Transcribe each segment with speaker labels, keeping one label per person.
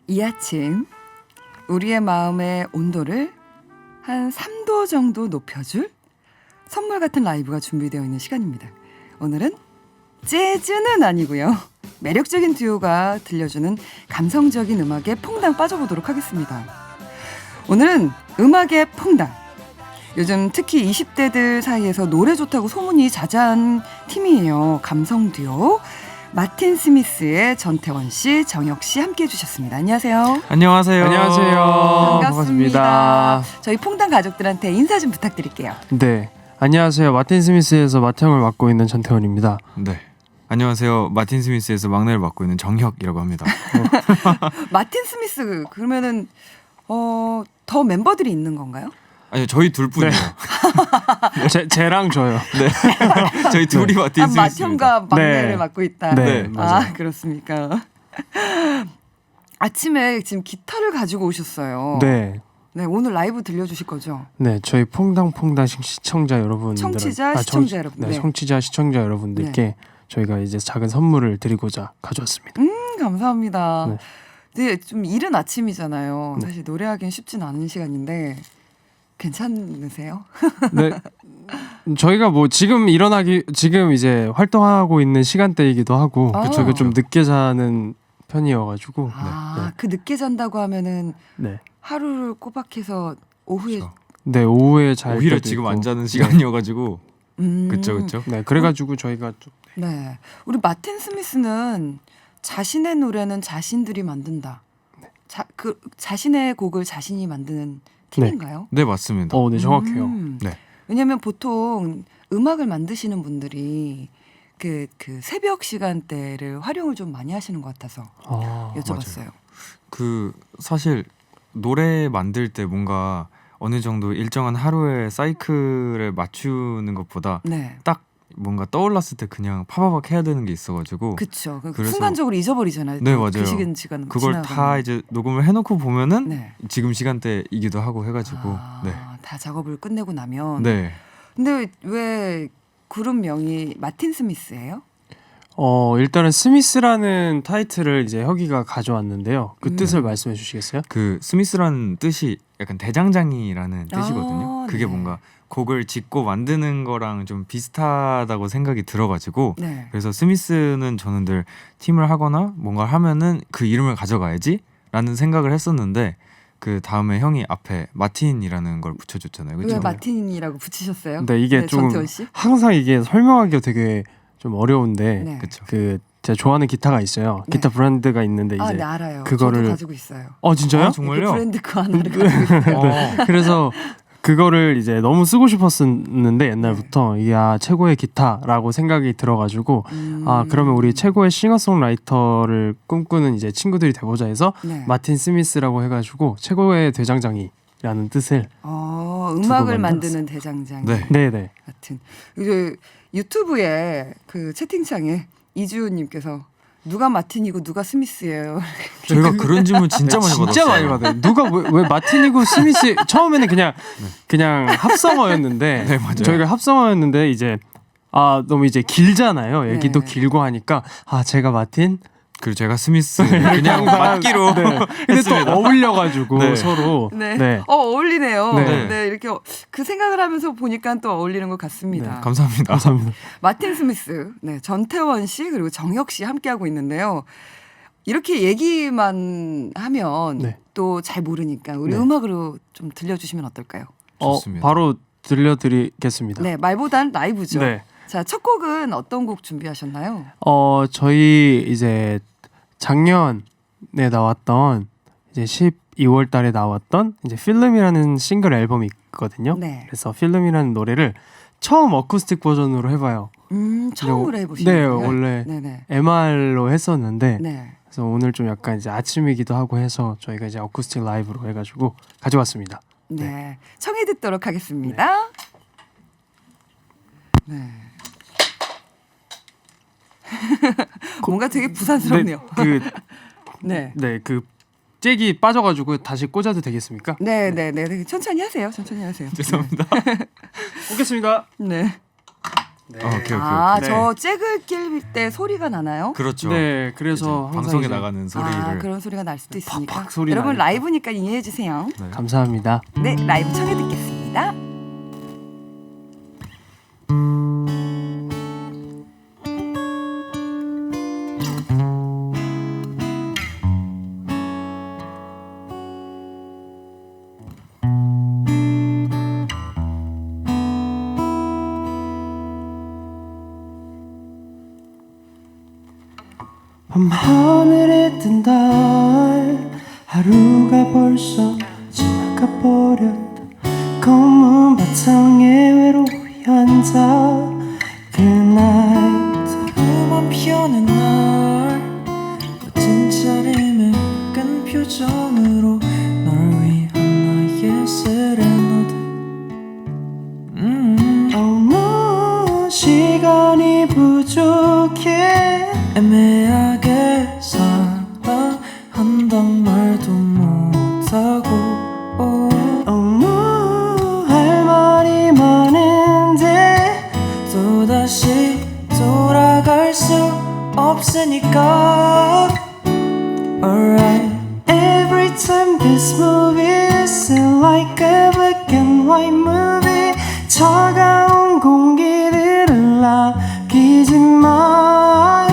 Speaker 1: 이 아침 우리의 마음의 온도를 한 3도 정도 높여줄 선물 같은 라이브가 준비되어 있는 시간입니다. 오늘은 재즈는 아니고요. 매력적인 듀오가 들려주는 감성적인 음악에 퐁당 빠져보도록 하겠습니다. 오늘은 음악의 퐁당. 요즘 특히 20대들 사이에서 노래 좋다고 소문이 자자한 팀이에요. 감성 듀오. 마틴 스미스의 전태원 씨, 정혁 씨 함께해 주셨습니다. 안녕하세요.
Speaker 2: 안녕하세요.
Speaker 1: 반갑습니다.
Speaker 2: 반갑습니다.
Speaker 1: 저희 퐁당 가족들한테 인사 좀 부탁드릴게요.
Speaker 2: 네, 안녕하세요. 마틴 스미스에서 맏형을 맡고 있는 전태원입니다.
Speaker 3: 네. 안녕하세요. 마틴 스미스에서 막내를 맡고 있는 정혁이라고 합니다.
Speaker 1: 마틴 스미스 그러면은 더 멤버들이 있는 건가요?
Speaker 3: 아니요, 저희 둘뿐이에요.
Speaker 2: 쟤랑 저요.
Speaker 3: 네. 저희 둘이 마틴 스미스입니다.
Speaker 1: 맏형과 막내를
Speaker 2: 네.
Speaker 1: 맡고 있다.
Speaker 2: 네,
Speaker 1: 아, 그렇습니까? 아침에 지금 기타를 가지고 오셨어요.
Speaker 2: 네,
Speaker 1: 네, 오늘 라이브 들려주실 거죠?
Speaker 2: 네, 저희 퐁당 시청자 여러분들,
Speaker 1: 청취자, 시청자 여러분.
Speaker 2: 네, 청취자 시청자 여러분들께 저희가 이제 작은 선물을 드리고자 가져왔습니다.
Speaker 1: 감사합니다.
Speaker 2: 네.
Speaker 1: 네, 좀 이른 아침이잖아요.
Speaker 2: 네.
Speaker 1: 사실 노래하기는 쉽진 않은 시간인데 괜찮으세요?
Speaker 2: 네, 저희가 뭐 지금 이제 활동하고 있는 시간대이기도 하고
Speaker 1: 아.
Speaker 2: 저희가 좀 늦게 자는 편이어가지고
Speaker 1: 그 늦게 잔다고 하면은
Speaker 2: 네,
Speaker 1: 하루를 꼬박해서 오후에
Speaker 3: 그렇죠.
Speaker 2: 네, 오후에 잘
Speaker 3: 오히려
Speaker 2: 때도
Speaker 3: 지금
Speaker 2: 있고.
Speaker 3: 안 자는 시간이어가지고 그쵸.
Speaker 2: 네, 그래가지고 저희가 좀
Speaker 1: 네, 우리 마틴 스미스는 자신의 노래는 자신들이 만든다. 자신의 곡을 자신이 만드는 팀인가요?
Speaker 3: 네, 맞습니다.
Speaker 2: 네, 정확해요.
Speaker 3: 네.
Speaker 1: 왜냐하면 보통 음악을 만드시는 분들이 그 새벽 시간대를 활용을 좀 많이 하시는 것 같아서 여쭤봤어요.
Speaker 3: 그 사실 노래 만들 때 뭔가 어느 정도 일정한 하루의 사이클을 맞추는 것보다
Speaker 1: 네,
Speaker 3: 딱 뭔가 떠올랐을 때 그냥 파바박 해야 되는 게 있어가지고
Speaker 1: 그렇죠.
Speaker 3: 그래서-
Speaker 1: 순간적으로 잊어버리잖아요.
Speaker 3: 네,
Speaker 1: 그
Speaker 3: 맞아요.
Speaker 1: 시간
Speaker 3: 그걸
Speaker 1: 지나가면.
Speaker 3: 다 이제 녹음을 해놓고 보면은
Speaker 1: 네.
Speaker 3: 지금 시간대이기도 하고 해가지고
Speaker 1: 다 작업을 끝내고 나면.
Speaker 3: 네.
Speaker 1: 근데 왜 그룹명이 마틴 스미스예요?
Speaker 2: 일단은 스미스라는 타이틀을 이제 혁이가 가져왔는데요. 그
Speaker 1: 음.
Speaker 2: 뜻을 말씀해 주시겠어요?
Speaker 3: 그 스미스라는 뜻이 약간 대장장이라는 뜻이거든요. 그게
Speaker 1: 네.
Speaker 3: 뭔가 곡을 짓고 만드는 거랑 좀 비슷하다고 생각이 들어가지고
Speaker 1: 네.
Speaker 3: 그래서 스미스는 저는 늘 팀을 하거나 뭔가 하면은 그 이름을 가져가야지라는 생각을 했었는데 그 다음에 형이 앞에 마틴이라는 걸 붙여줬잖아요.
Speaker 1: 왜
Speaker 3: 그렇죠?
Speaker 1: 마틴이라고 붙이셨어요?
Speaker 2: 네, 이게 좀
Speaker 1: 전태원 씨?
Speaker 2: 항상 이게 설명하기가 되게 좀 어려운데
Speaker 1: 네.
Speaker 3: 그렇죠.
Speaker 2: 그 제가 좋아하는 기타가 있어요.
Speaker 1: 네.
Speaker 2: 기타 브랜드가 있는데 이제
Speaker 1: 네, 알아요.
Speaker 2: 그거를-
Speaker 1: 저도 가지고 있어요.
Speaker 2: 진짜요?
Speaker 3: 아, 정말요?
Speaker 1: 그 브랜드 그 하나를 가지고 있어요.
Speaker 2: 그래서 그거를 이제 너무 쓰고 싶었었는데 옛날부터 이게 최고의 기타라고 생각이 들어가지고 그러면 우리 최고의 싱어송라이터를 꿈꾸는 이제 친구들이 돼보자 해서
Speaker 1: 네.
Speaker 2: 마틴 스미스라고 해가지고 최고의 대장장이라는 뜻을
Speaker 1: 음악을 만드는 대장장
Speaker 3: 네.
Speaker 2: 네네
Speaker 1: 같은. 이제 유튜브에 그 채팅창에 이주호님께서 누가 마틴이고 누가 스미스예요.
Speaker 3: 저희가 그런 질문 진짜 많이 받았어요.
Speaker 2: 진짜 많이 받아요. 누가 왜 마틴이고 스미스 처음에는 그냥 합성어였는데
Speaker 3: 네, 맞아요.
Speaker 2: 저희가 합성어였는데 이제 너무 이제 길잖아요. 얘기도
Speaker 1: 네.
Speaker 2: 길고 하니까 제가 마틴
Speaker 3: 그리고 제가 스미스 그냥 맞기로
Speaker 2: 근데 또
Speaker 3: 했습니다.
Speaker 2: 어울려가지고
Speaker 3: 네.
Speaker 2: 서로
Speaker 1: 네. 어울리네요.
Speaker 2: 네.
Speaker 1: 네. 이렇게 그 생각을 하면서 보니까 또 어울리는 것 같습니다.
Speaker 3: 감사합니다.
Speaker 2: 감사합니다.
Speaker 1: 마틴 스미스, 네, 전태원 씨 그리고 정혁 씨 함께하고 있는데요. 이렇게 얘기만 하면
Speaker 2: 네.
Speaker 1: 또 잘 모르니까 우리
Speaker 2: 네.
Speaker 1: 음악으로 좀 들려주시면 어떨까요?
Speaker 3: 좋습니다.
Speaker 2: 바로 들려드리겠습니다.
Speaker 1: 네, 말보단 라이브죠.
Speaker 2: 네.
Speaker 1: 자, 첫 곡은 어떤 곡 준비하셨나요?
Speaker 2: 저희 이제 작년에 나왔던 이제 12월 달에 나왔던 이제 필름이라는 싱글 앨범이 있거든요.
Speaker 1: 네.
Speaker 2: 그래서 필름이라는 노래를 처음 어쿠스틱 버전으로 해봐요.
Speaker 1: 처음으로
Speaker 2: 네,
Speaker 1: 해보시는 거예요?
Speaker 2: 원래
Speaker 1: 네네.
Speaker 2: MR로 했었는데
Speaker 1: 네.
Speaker 2: 그래서 오늘 좀 약간 이제 아침이기도 하고 해서 저희가 이제 어쿠스틱 라이브로 해가지고 가져왔습니다.
Speaker 1: 네. 청해 듣도록 하겠습니다. 네. 뭔가 되게 부산스럽네요. 네.
Speaker 2: 그 잭이 빠져가지고 다시 꽂아도 되겠습니까?
Speaker 1: 네. 천천히 하세요. 천천히 하세요.
Speaker 3: 죄송합니다.
Speaker 2: 꽂겠습니다.
Speaker 1: 네.
Speaker 2: 네.
Speaker 3: 오케이.
Speaker 1: 아,
Speaker 2: 네.
Speaker 1: 저 잭을 낄 때 소리가 나나요?
Speaker 3: 그렇죠.
Speaker 2: 네, 그래서
Speaker 3: 이제
Speaker 2: 항상
Speaker 3: 방송에
Speaker 2: 이제
Speaker 3: 나가는 소리를
Speaker 1: 아, 그런 소리가 날 수도 있으니까.
Speaker 2: 팍팍 소리
Speaker 1: 여러분
Speaker 2: 나니까.
Speaker 1: 라이브니까 이해해 주세요.
Speaker 3: 네.
Speaker 2: 감사합니다.
Speaker 1: 네, 라이브 청해 듣겠습니다.
Speaker 2: 밤하늘에 뜬 달 하루가 벌써 지나가 버렸다. 검은 바탕에 외로이 앉아 그날
Speaker 4: 꿈만 피어낸 날 멋진 차림에 끈 표정으로 널 위한 나의 세레나데
Speaker 2: 어느 시간이 부족해
Speaker 4: 애매하게 사랑한단 말도 못하고
Speaker 2: 어느 할 말이 많은데
Speaker 4: 또다시 돌아갈 수 없으니까 Alright
Speaker 2: Every time this movie is like a black and white movie 차가운 공기들을 남기지만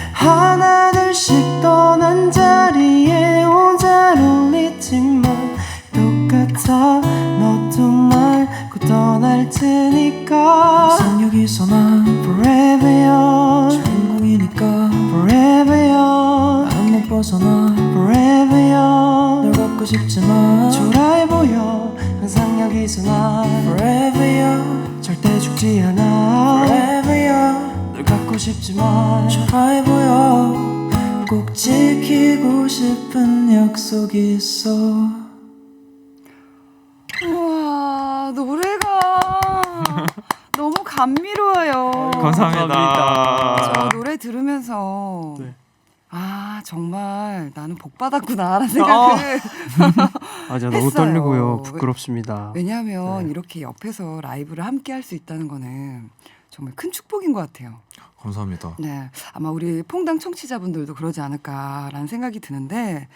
Speaker 2: 하나둘씩 떠난 자리에 혼자 롤리지만 똑같아 너도 말고 떠날 테니까
Speaker 4: 항상 여기서 난
Speaker 2: Forever young
Speaker 4: 주인공이니까
Speaker 2: Forever young
Speaker 4: 나는 못 벗어나
Speaker 2: Forever young
Speaker 4: 널 갖고 싶지만
Speaker 2: 초라해 보여 항상 여기서 난
Speaker 4: Forever young
Speaker 2: 절대 죽지 않아
Speaker 4: Forever young
Speaker 2: 널 갖고 싶지만
Speaker 4: 초라해 보여 꼭 지키고 싶은 약속이 있어
Speaker 1: 우와, 노래가 너무 감미로워요.
Speaker 3: 감사합니다.
Speaker 1: 저 노래 들으면서
Speaker 2: 네.
Speaker 1: 아, 정말 나는 복 받았구나라는 생각을
Speaker 2: 맞아
Speaker 1: 너무
Speaker 2: 너무
Speaker 1: 했어요.
Speaker 2: 떨리고요 부끄럽습니다.
Speaker 1: 왜냐하면
Speaker 2: 네.
Speaker 1: 이렇게 옆에서 라이브를 함께 할 수 있다는 거는 정말 큰 축복인 것 같아요.
Speaker 3: 감사합니다.
Speaker 1: 네, 아마 우리 퐁당 청취자분들도 그러지 않을까라는 생각이 드는데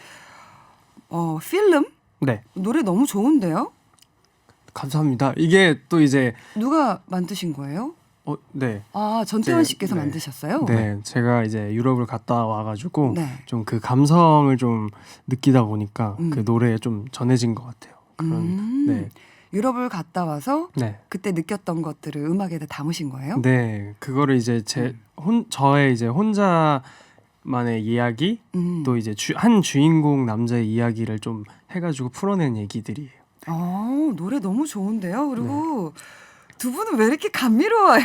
Speaker 1: 필름
Speaker 2: 네
Speaker 1: 노래 너무 좋은데요?
Speaker 2: 감사합니다. 이게 또 이제
Speaker 1: 누가 만드신 거예요?
Speaker 2: 네.
Speaker 1: 아, 전태원
Speaker 2: 제-
Speaker 1: 씨께서
Speaker 2: 네.
Speaker 1: 만드셨어요?
Speaker 2: 네, 제가 이제 유럽을 갔다 와가지고
Speaker 1: 네.
Speaker 2: 좀 그 감성을 좀 느끼다 보니까
Speaker 1: 음.
Speaker 2: 그 노래에 좀 전해진 것 같아요. 그런 네,
Speaker 1: 유럽을 갔다 와서
Speaker 2: 네,
Speaker 1: 그때 느꼈던 것들을 음악에다 담으신 거예요?
Speaker 2: 네, 그거를 이제 저의 이제 혼자만의 이야기
Speaker 1: 음.
Speaker 2: 또 이제 한 주인공 남자의 이야기를 좀 해가지고 풀어낸 얘기들이에요.
Speaker 1: 노래 너무 좋은데요. 그리고 두 분은 왜 이렇게 감미로워요?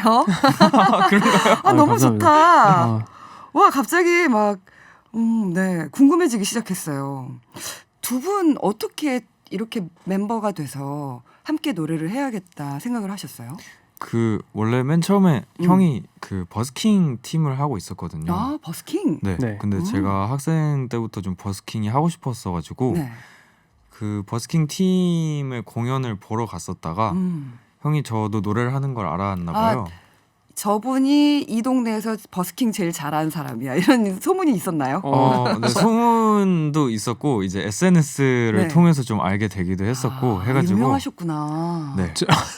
Speaker 1: 아, 너무
Speaker 2: 감사합니다.
Speaker 1: 좋다.
Speaker 2: 아,
Speaker 1: 와, 갑자기 막 네, 궁금해지기 시작했어요. 두 분 어떻게 이렇게 멤버가 돼서 함께 노래를 해야겠다 생각을 하셨어요?
Speaker 3: 그 원래 맨 처음에 형이 그 버스킹 팀을 하고 있었거든요.
Speaker 1: 아, 버스킹.
Speaker 3: 네.
Speaker 2: 네.
Speaker 3: 근데 제가 학생 때부터 좀 버스킹이 하고 싶었어가지고
Speaker 1: 네.
Speaker 3: 그 버스킹 팀의 공연을 보러 갔었다가 형이 저도 노래를 하는 걸 알았나 봐요.
Speaker 1: 저분이 이 동네에서 버스킹 제일 잘하는 사람이야. 이런 소문이 있었나요?
Speaker 3: 네, 소문도 있었고 이제 SNS를
Speaker 1: 네.
Speaker 3: 통해서 좀 알게 되기도 했었고 해가지고
Speaker 1: 유명하셨구나.
Speaker 3: 네.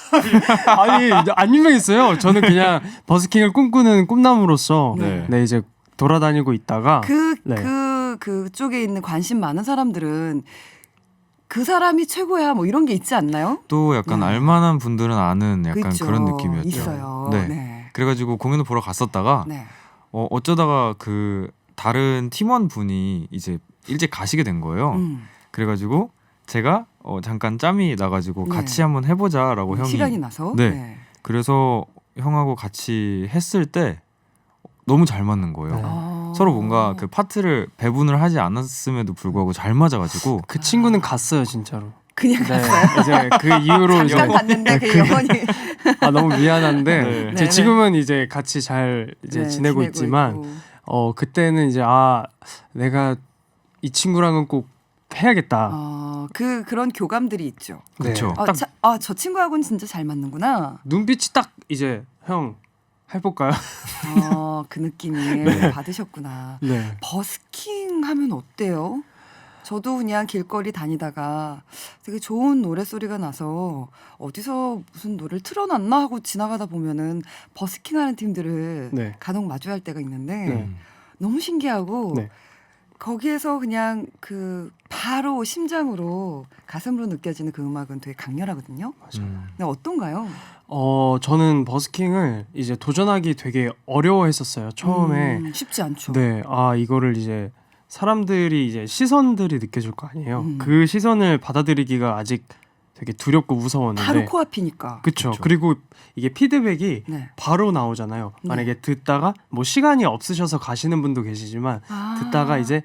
Speaker 2: 아니 안 유명했어요. 저는 그냥 버스킹을 꿈꾸는 꿈나무로서
Speaker 3: 네.
Speaker 2: 네, 이제 돌아다니고 있다가 네.
Speaker 1: 그쪽에 있는 관심 많은 사람들은 그 사람이 최고야 뭐 이런 게 있지 않나요?
Speaker 3: 또 약간 알만한 분들은 아는 약간
Speaker 1: 그쵸.
Speaker 3: 그런 느낌이었죠.
Speaker 1: 있어요.
Speaker 3: 네.
Speaker 1: 네.
Speaker 3: 그래가지고 공연을 보러 갔었다가
Speaker 1: 네.
Speaker 3: 어쩌다가 그 다른 팀원 분이 이제 일찍 가시게 된 거예요. 그래가지고 제가 잠깐 짬이 나가지고
Speaker 1: 네.
Speaker 3: 같이 한번 해보자라고 형이
Speaker 1: 시간이 나서.
Speaker 3: 네. 그래서 형하고 같이 했을 때 너무 잘 맞는 거예요.
Speaker 2: 네.
Speaker 3: 서로 뭔가 그 파트를 배분을 하지 않았음에도 불구하고 잘 맞아가지고
Speaker 2: 그 친구는 갔어요 진짜로.
Speaker 1: 그냥
Speaker 2: 네, 이제 그 이후로 이제
Speaker 1: 잠깐 갔는데 그 영혼이
Speaker 2: 너무 미안한데
Speaker 3: 네.
Speaker 2: 이제
Speaker 1: 네,
Speaker 2: 지금은 이제 같이 잘 이제
Speaker 1: 네,
Speaker 2: 지내고 있지만
Speaker 1: 있고.
Speaker 2: 그때는 이제 내가 이 친구랑은 꼭 해야겠다.
Speaker 1: 그런 교감들이 있죠.
Speaker 3: 그쵸.
Speaker 2: 딱
Speaker 1: 저 친구하고는 진짜 잘 맞는구나.
Speaker 2: 눈빛이 딱 이제 형 해볼까요?
Speaker 1: 그 느낌이 받으셨구나.
Speaker 2: 네.
Speaker 1: 버스킹 하면 어때요? 저도 그냥 길거리 다니다가 되게 좋은 노래소리가 나서 어디서 무슨 노래를 틀어놨나 하고 지나가다 보면은 버스킹하는 팀들을
Speaker 2: 네.
Speaker 1: 간혹 마주할 때가 있는데
Speaker 2: 네.
Speaker 1: 너무 신기하고
Speaker 2: 네.
Speaker 1: 거기에서 그냥 그 바로 심장으로 가슴으로 느껴지는 그 음악은 되게 강렬하거든요. 근데 어떤가요?
Speaker 2: 저는 버스킹을 이제 도전하기 되게 어려워했었어요. 처음에.
Speaker 1: 쉽지 않죠.
Speaker 2: 네. 이거를 이제 사람들이 이제 시선들이 느껴질 거 아니에요.
Speaker 1: 음.
Speaker 2: 그 시선을 받아들이기가 아직 되게 두렵고 무서웠는데.
Speaker 1: 바로 코앞이니까.
Speaker 2: 그쵸.
Speaker 3: 그쵸.
Speaker 2: 그리고 이게 피드백이
Speaker 1: 네.
Speaker 2: 바로 나오잖아요.
Speaker 1: 네.
Speaker 2: 만약에 듣다가 뭐 시간이 없으셔서 가시는 분도 계시지만 듣다가 이제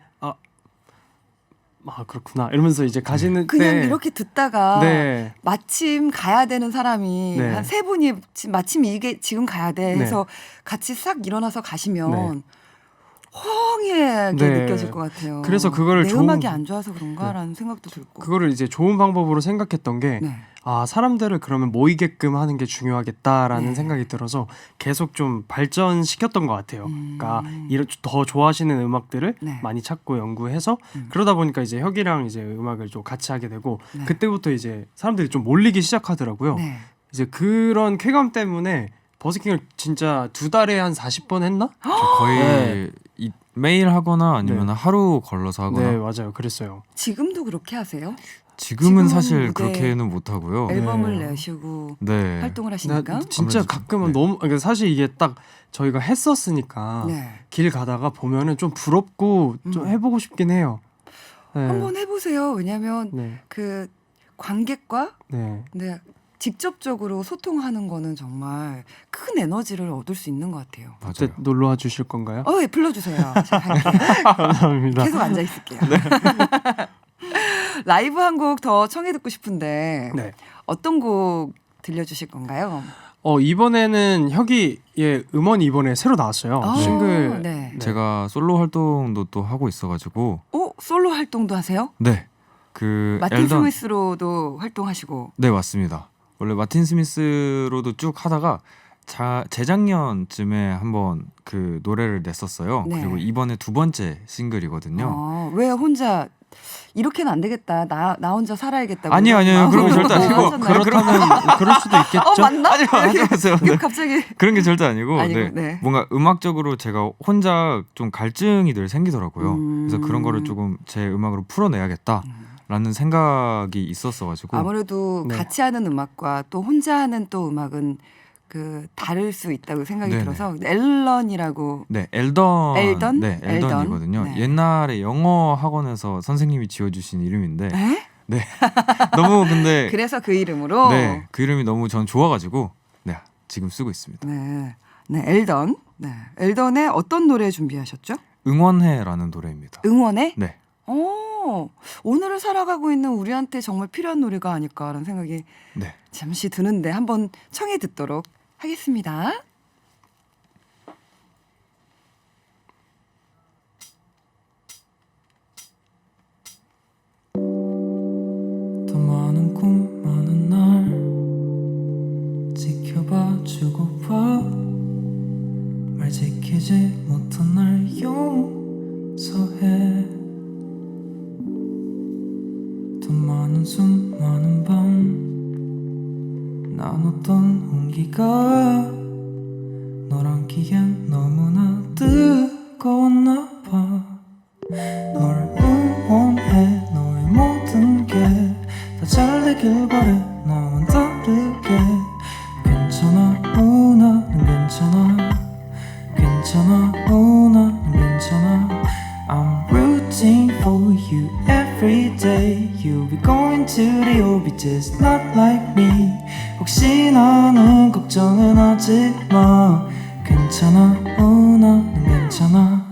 Speaker 2: 그렇구나 이러면서 이제 가시는
Speaker 1: 그냥
Speaker 2: 때
Speaker 1: 이렇게 듣다가
Speaker 2: 네.
Speaker 1: 마침 가야 되는 사람이
Speaker 2: 네.
Speaker 1: 한 세 분이 마침 이게 지금 가야 돼 해서
Speaker 2: 네.
Speaker 1: 같이 싹 일어나서 가시면
Speaker 2: 네.
Speaker 1: 허하게
Speaker 2: 네.
Speaker 1: 느껴질 것 같아요.
Speaker 2: 그래서 그거를
Speaker 1: 내
Speaker 2: 좋은-
Speaker 1: 음악이 안 좋아서 그런가라는 생각도 들고.
Speaker 2: 그거를 이제 좋은 방법으로 생각했던 게
Speaker 1: 네.
Speaker 2: 사람들을 그러면 모이게끔 하는 게 중요하겠다라는
Speaker 1: 네.
Speaker 2: 생각이 들어서 계속 좀 발전시켰던 것 같아요. 그러니까
Speaker 1: 음.
Speaker 2: 더 좋아하시는 음악들을
Speaker 1: 네.
Speaker 2: 많이 찾고 연구해서
Speaker 1: 음.
Speaker 2: 그러다 보니까 이제 혁이랑 이제 음악을 좀 같이 하게 되고
Speaker 1: 네.
Speaker 2: 그때부터 이제 사람들이 좀 몰리기 시작하더라고요.
Speaker 1: 네.
Speaker 2: 이제 그런 쾌감 때문에 버스킹을 진짜 2달에 한 40번 했나?
Speaker 3: 저 거의
Speaker 2: 네.
Speaker 3: 매일 하거나 아니면
Speaker 2: 네.
Speaker 3: 하루 걸러서 하거나.
Speaker 2: 네, 맞아요. 그랬어요.
Speaker 1: 지금도 그렇게 하세요?
Speaker 3: 지금은
Speaker 1: 지금은
Speaker 3: 사실
Speaker 1: 무대-
Speaker 3: 그렇게는 못 하고요.
Speaker 1: 앨범을
Speaker 2: 네.
Speaker 1: 내시고
Speaker 3: 네.
Speaker 1: 활동을 하시니까.
Speaker 2: 진짜
Speaker 3: 아무래도
Speaker 2: 가끔은
Speaker 3: 네.
Speaker 2: 너무 그러니까 사실 이게 딱 저희가 했었으니까
Speaker 1: 네.
Speaker 2: 길 가다가 보면은 좀 부럽고 좀 해보고 싶긴 해요. 네.
Speaker 1: 한번 해보세요. 왜냐하면
Speaker 2: 네.
Speaker 1: 그 관객과
Speaker 2: 네.
Speaker 1: 네, 직접적으로 소통하는 거는 정말 큰 에너지를 얻을 수 있는 것 같아요.
Speaker 2: 그때
Speaker 3: 맞아요.
Speaker 2: 놀러 와 주실 건가요?
Speaker 1: 예, 불러주세요. 제가 할게요.
Speaker 2: 감사합니다.
Speaker 1: 계속 앉아 있을게요. 라이브 한 곡 더 청해 듣고 싶은데
Speaker 2: 네.
Speaker 1: 어떤 곡 들려주실 건가요?
Speaker 2: 이번에는 혁이의 음원이 이번에 새로 나왔어요.
Speaker 1: 아,
Speaker 2: 싱글.
Speaker 1: 네.
Speaker 3: 제가 솔로 활동도 또 하고 있어가지고
Speaker 1: 솔로 활동도 하세요?
Speaker 3: 네. 그
Speaker 1: 마틴
Speaker 3: 엘던
Speaker 1: 스미스로도 활동하시고.
Speaker 3: 네 맞습니다. 원래 마틴 스미스로도 쭉 하다가 재작년쯤에 한번 그 노래를 냈었어요.
Speaker 1: 네.
Speaker 3: 그리고 이번에 2번째 싱글이거든요.
Speaker 1: 왜 혼자 이렇게는 안 되겠다. 나 혼자 살아야겠다고.
Speaker 3: 아니요,
Speaker 1: 이런
Speaker 3: 아니요. 그런 게
Speaker 1: 마음으로
Speaker 3: 절대 아니고.
Speaker 1: 하셨나요?
Speaker 2: 그렇다면 그럴 수도 있겠죠.
Speaker 1: 맞나?
Speaker 3: 아니요, 안녕하세요.
Speaker 1: 이거
Speaker 3: 네.
Speaker 1: 갑자기
Speaker 3: 그런 게 절대 아니고,
Speaker 1: 아니고,
Speaker 3: 네.
Speaker 1: 네.
Speaker 3: 뭔가 음악적으로 제가 혼자 좀 갈증이 늘 생기더라고요. 그래서 그런 거를 조금 제 음악으로 풀어내야겠다라는 생각이 있었어가지고.
Speaker 1: 아무래도
Speaker 2: 네.
Speaker 1: 같이 하는 음악과 또 혼자 하는 또 음악은 그 다를 수 있다고 생각이
Speaker 3: 네네.
Speaker 1: 들어서 앨런이라고.
Speaker 3: 네, 엘던.
Speaker 1: 엘던?
Speaker 3: 네, 엘던이거든요.
Speaker 1: 네.
Speaker 3: 옛날에 영어 학원에서 선생님이 지어주신 이름인데,
Speaker 1: 에?
Speaker 3: 너무 근데
Speaker 1: 그래서 그 이름으로.
Speaker 3: 네, 그 이름이 너무 전 좋아가지고 네, 지금 쓰고 있습니다.
Speaker 1: 네, 네, 엘던. 네, 엘던의 어떤 노래 준비하셨죠?
Speaker 3: 응원해라는 노래입니다.
Speaker 1: 응원해?
Speaker 3: 네,
Speaker 1: 오늘을 살아가고 있는 우리한테 정말 필요한 노래가 아닐까라는 생각이
Speaker 3: 네.
Speaker 1: 잠시 드는데 한번 청해 듣도록 하겠습니다.
Speaker 4: 더 많은 꿈 많은 날 지켜봐주고 봐말 지키지 못한 날 용서해 더 많은 숨 많은 밤 나눴던 온기가 널 안기엔 너무나 뜨거웠나 봐 널 응원해 너의 모든 게 다 잘 되길 바래 나만 다르게 괜찮아 나는 괜찮아 괜찮아 나는 괜찮아 I'm rooting for you every day You'll be going to the OB just not like me 혹시 나는 걱정은 하지마 괜찮아 나는 괜찮아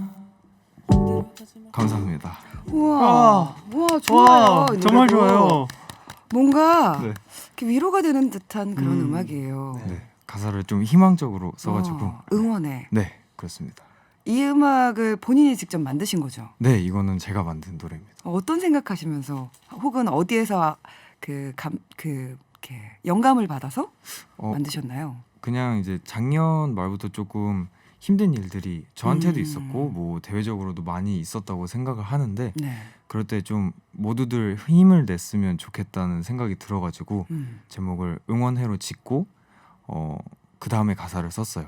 Speaker 3: 감사합니다.
Speaker 1: 우와, 좋아요. 이
Speaker 2: 정말
Speaker 1: 노래도.
Speaker 2: 좋아요.
Speaker 1: 뭔가
Speaker 3: 네.
Speaker 1: 이렇게 위로가 되는 듯한 그런 음악이에요.
Speaker 3: 네, 가사를 좀 희망적으로 써가지고
Speaker 1: 응원해.
Speaker 3: 네, 그렇습니다.
Speaker 1: 이 음악을 본인이 직접 만드신 거죠?
Speaker 3: 네, 이거는 제가 만든 노래입니다.
Speaker 1: 어떤 생각하시면서 혹은 어디에서 그 어떻게 영감을 받아서
Speaker 3: 어,
Speaker 1: 만드셨나요?
Speaker 3: 그냥 이제 작년 말부터 조금 힘든 일들이 저한테도
Speaker 1: 음.
Speaker 3: 있었고 뭐 대외적으로도 많이 있었다고 생각을 하는데
Speaker 1: 네.
Speaker 3: 그럴 때 좀 모두들 힘을 냈으면 좋겠다는 생각이 들어가지고 제목을 응원해로 짓고 그 다음에 가사를 썼어요.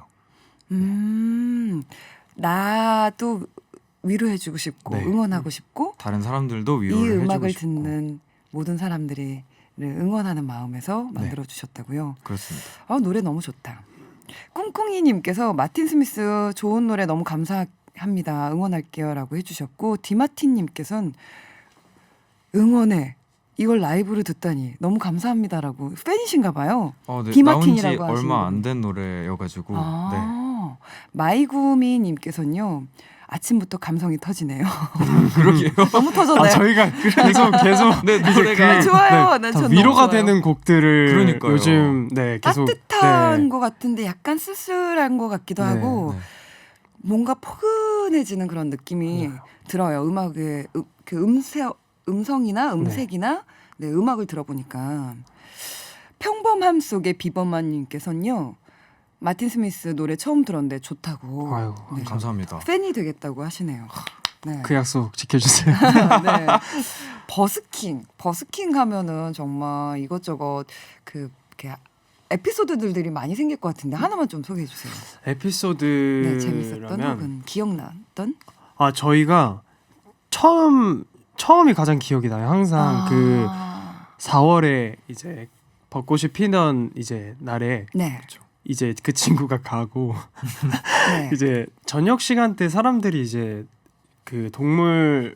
Speaker 1: 나도 위로해주고 싶고
Speaker 3: 네.
Speaker 1: 응원하고 싶고
Speaker 3: 다른 사람들도
Speaker 1: 이
Speaker 3: 위로를 해주고
Speaker 1: 음악을
Speaker 3: 싶고
Speaker 1: 듣는 모든 사람들이 응원하는 마음에서 만들어 주셨다고요.
Speaker 3: 그렇습니다.
Speaker 1: 노래 너무 좋다. 꿍꿍이님께서 마틴 스미스 좋은 노래 너무 감사합니다. 응원할게요라고 해주셨고 디마틴님께서는 응원해 이걸 라이브로 듣다니 너무 감사합니다라고 팬이신가 봐요.
Speaker 3: 네, 나온 지
Speaker 1: 디마틴이라고 하시는
Speaker 3: 얼마
Speaker 1: 분이.
Speaker 3: 안 된 노래여가지고 네.
Speaker 1: 마이구미님께서는요. 아침부터 감성이 터지네요.
Speaker 3: 그러게요.
Speaker 1: 너무 터졌나요?
Speaker 2: 저희가 계속
Speaker 3: 네, 노래가
Speaker 1: 좋아요.
Speaker 2: 네,
Speaker 1: 난
Speaker 2: 다
Speaker 1: 전
Speaker 2: 위로가
Speaker 1: 너무 좋아요.
Speaker 2: 되는 곡들을
Speaker 3: 그러니까요.
Speaker 2: 요즘 계속
Speaker 1: 따뜻한 것 같은데 약간 쓸쓸한 것 같기도
Speaker 2: 네,
Speaker 1: 하고
Speaker 3: 네.
Speaker 1: 뭔가 포근해지는 그런 느낌이 들어요. 음악의 음성이나 음색이나 네, 음악을 들어보니까 평범함 속의 비범한님께서는요. 마틴 스미스 노래 처음 들었는데 좋다고.
Speaker 2: 아유,
Speaker 1: 네.
Speaker 3: 감사합니다.
Speaker 1: 팬이 되겠다고 하시네요. 네.
Speaker 2: 그 약속 지켜주세요.
Speaker 1: 네. 버스킹 하면은 정말 이것저것 이렇게 에피소드들이 많이 생길 것 같은데 하나만 좀 소개해 주세요. 네, 재밌었던
Speaker 2: 에피소드라면
Speaker 1: 혹은 기억났던?
Speaker 2: 저희가 처음이 가장 기억이 나요. 항상 그 4월에 이제 벚꽃이 피던 이제 날에
Speaker 1: 네.
Speaker 2: 이제 그 친구가 가고
Speaker 1: 네.
Speaker 2: 이제 저녁 시간 때 사람들이 이제 그 동물원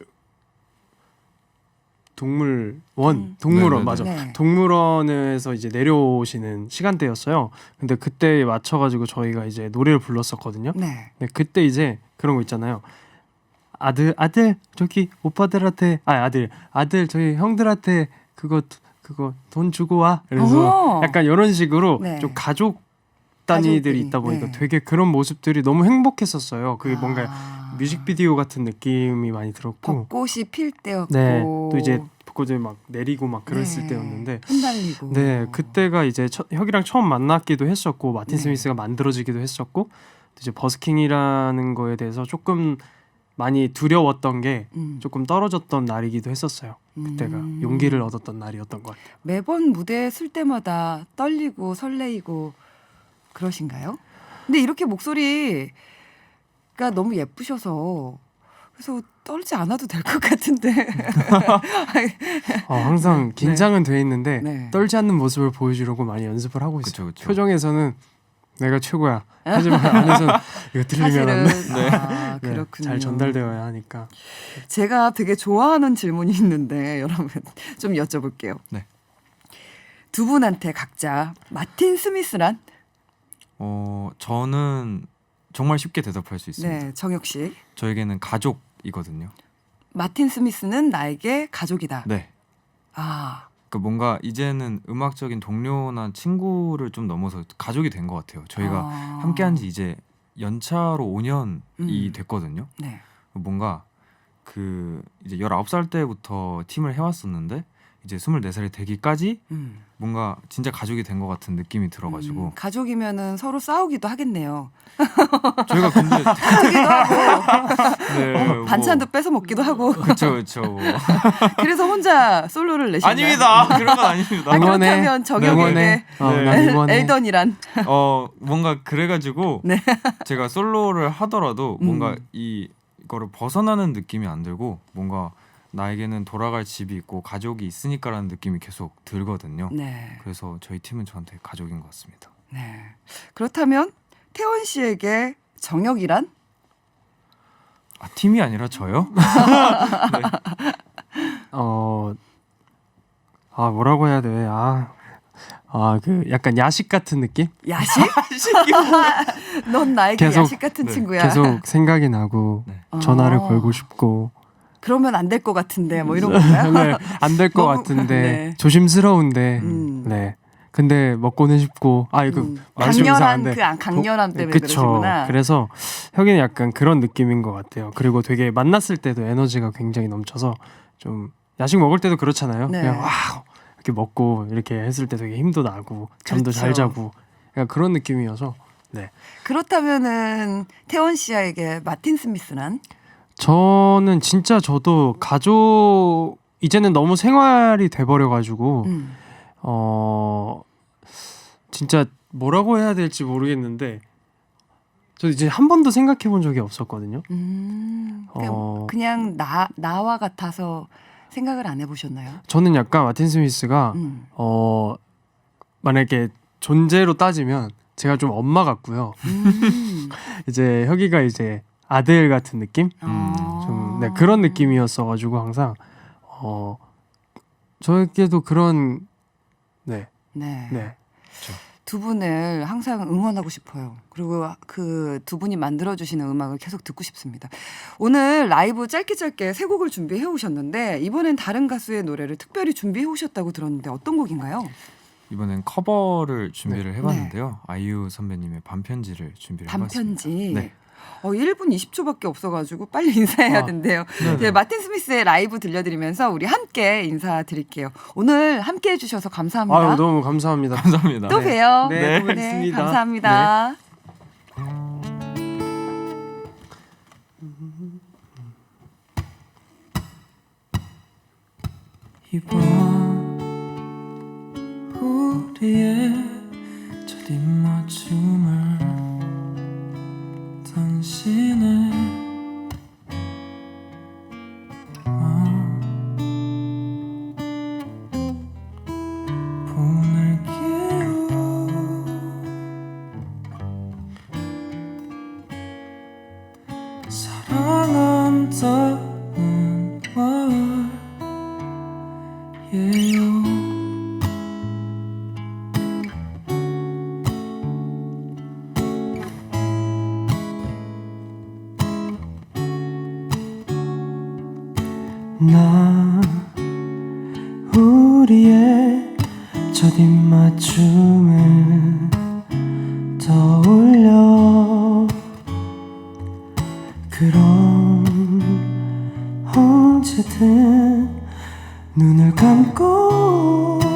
Speaker 3: 네네네.
Speaker 2: 맞아.
Speaker 1: 네.
Speaker 2: 동물원에서 이제 내려오시는 시간대였어요. 근데 그때에 맞춰가지고 저희가 이제 노래를 불렀었거든요.
Speaker 1: 네.
Speaker 2: 네, 그때 이제 그런 거 있잖아요. 아들 저기 오빠들한테 아들 저희 형들한테 그거 돈 주고 와. 그래서
Speaker 1: 어머.
Speaker 2: 약간 이런 식으로
Speaker 1: 네.
Speaker 2: 좀 가족 단위들이
Speaker 1: 가족들이,
Speaker 2: 있다 보니까
Speaker 1: 네.
Speaker 2: 되게 그런 모습들이 너무 행복했었어요. 그게 뭔가
Speaker 1: 아.
Speaker 2: 뮤직비디오 같은 느낌이 많이 들었고,
Speaker 1: 벚꽃이 필 때였고
Speaker 2: 네, 또 이제 벚꽃을 막 내리고 막 그랬을
Speaker 1: 네.
Speaker 2: 때였는데,
Speaker 1: 흩날리고
Speaker 2: 네, 그때가 이제 혁이랑 처음 만났기도 했었고 마틴
Speaker 1: 네.
Speaker 2: 스미스가 만들어지기도 했었고, 또 이제 버스킹이라는 거에 대해서 조금 많이 두려웠던 게 조금 떨어졌던 날이기도 했었어요. 그때가 용기를 얻었던 날이었던 것 같아요.
Speaker 1: 매번 무대에 쓸 때마다 떨리고 설레이고 그러신가요? 근데 이렇게 목소리가 너무 예쁘셔서 그래서 떨지 않아도 될 것 같은데.
Speaker 2: 항상 긴장은 돼 있는데
Speaker 1: 네.
Speaker 2: 떨지 않는 모습을 보여주려고 많이 연습을 하고 있어요.
Speaker 3: 그쵸.
Speaker 2: 표정에서는 내가 최고야. 하지만 안에서는 이거 들리면 안
Speaker 1: 사실은
Speaker 2: 돼.
Speaker 1: 아,
Speaker 2: 네,
Speaker 1: 그렇군요.
Speaker 2: 잘 전달되어야 하니까.
Speaker 1: 제가 되게 좋아하는 질문이 있는데 여러분 좀 여쭤볼게요.
Speaker 3: 네.
Speaker 1: 두 분한테 각자 마틴 스미스란?
Speaker 3: 저는 정말 쉽게 대답할 수 있습니다.
Speaker 1: 네, 정혁 씨.
Speaker 3: 저에게는 가족이거든요.
Speaker 1: 마틴 스미스는 나에게 가족이다.
Speaker 3: 네.
Speaker 1: 아,
Speaker 3: 그러니까 뭔가 이제는 음악적인 동료나 친구를 좀 넘어서 가족이 된 것 같아요. 저희가 함께한 지 이제 연차로 5년이 됐거든요.
Speaker 1: 네.
Speaker 3: 뭔가 그 이제 19살 때부터 팀을 해왔었는데 이제 24살이 되기까지 뭔가 진짜 가족이 된 것 같은 느낌이 들어가지고
Speaker 1: 가족이면은 서로 싸우기도 하겠네요.
Speaker 3: 저희가 근데
Speaker 1: 크기도 하고
Speaker 3: 네,
Speaker 1: 반찬도 뺏어 먹기도 하고.
Speaker 3: 그렇죠.
Speaker 1: 그래서 혼자 솔로를 내신다.
Speaker 3: 아닙니다. 그런 건 아닙니다.
Speaker 1: 아, 그렇다면 정혁에게
Speaker 2: 난
Speaker 1: 네.
Speaker 2: 응원해.
Speaker 1: 엘던이란.
Speaker 3: 뭔가 그래가지고
Speaker 1: 네.
Speaker 3: 제가 솔로를 하더라도 뭔가 이거를 벗어나는 느낌이 안 들고 뭔가 나에게는 돌아갈 집이 있고 가족이 있으니까라는 느낌이 계속 들거든요.
Speaker 1: 네.
Speaker 3: 그래서 저희 팀은 저한테 가족인 것 같습니다.
Speaker 1: 네. 그렇다면 태원 씨에게 정혁이란?
Speaker 3: 팀이 아니라 저요?
Speaker 2: 뭐라고 해야 돼? 그 약간 야식 같은 느낌?
Speaker 1: 야식? 넌 나에게
Speaker 2: 계속,
Speaker 1: 야식 같은
Speaker 3: 네,
Speaker 1: 친구야.
Speaker 2: 계속 생각이 나고
Speaker 3: 네.
Speaker 2: 전화를 걸고 싶고.
Speaker 1: 그러면 안 될 것 같은데 뭐 이런 건가요?
Speaker 2: 네, 안 될 것
Speaker 1: 너무-
Speaker 2: 같은데
Speaker 1: 네.
Speaker 2: 조심스러운데 네. 근데 먹고는 싶고 말씀
Speaker 1: 강렬한
Speaker 2: 이상한데
Speaker 1: 강렬함 때문에
Speaker 2: 그쵸.
Speaker 1: 그러시구나.
Speaker 2: 그래서 혁이는 약간 그런 느낌인 것 같아요. 그리고 되게 만났을 때도 에너지가 굉장히 넘쳐서 좀 야식 먹을 때도 그렇잖아요.
Speaker 1: 네.
Speaker 2: 그냥 이렇게 먹고 이렇게 했을 때 되게 힘도 나고 잠도 잘
Speaker 1: 그렇죠.
Speaker 2: 자고 약간 그런 느낌이어서 네.
Speaker 1: 그렇다면은 태원 씨에게 마틴 스미스란?
Speaker 2: 저는 진짜 저도 가족 이제는 너무 생활이 돼버려가지고 진짜 뭐라고 해야 될지 모르겠는데 저 이제 한 번도 생각해 본 적이 없었거든요.
Speaker 1: 그냥 나와 같아서 생각을 안 해보셨나요?
Speaker 2: 저는 약간 마틴 스미스가 만약에 존재로 따지면 제가 좀 엄마 같고요. 이제 혁이가 이제 아들 같은 느낌? 좀 네, 그런 느낌이었어가지고 항상 저에게도 그런 네.
Speaker 1: 두 분을 항상 응원하고 싶어요. 그리고 그 두 분이 만들어주시는 음악을 계속 듣고 싶습니다. 오늘 라이브 짧게 세 곡을 준비해 오셨는데 이번엔 다른 가수의 노래를 특별히 준비해 오셨다고 들었는데 어떤 곡인가요?
Speaker 3: 이번엔 커버를 준비를
Speaker 1: 네.
Speaker 3: 해봤는데요. 아이유 선배님의 반편지를 준비를 해봤습니다.
Speaker 1: 반편지.
Speaker 3: 네.
Speaker 1: 1분 20초밖에 없어가지고 빨리 인사해야 된대요. 이제 마틴 스미스의 라이브 들려드리면서 우리 함께 인사드릴게요. 오늘 함께 해주셔서 감사합니다.
Speaker 2: 아유, 너무 감사합니다.
Speaker 3: 감사합니다.
Speaker 1: 또 봬요.
Speaker 2: 네, 알겠습니다.
Speaker 1: 감사합니다.
Speaker 4: 이번 우리의 첫 입맞춤을 당신의 보낼게요. 사랑한다는 말이에요. 나 우리의 첫 입맞춤을 떠올려 그럼 언제든 눈을 감고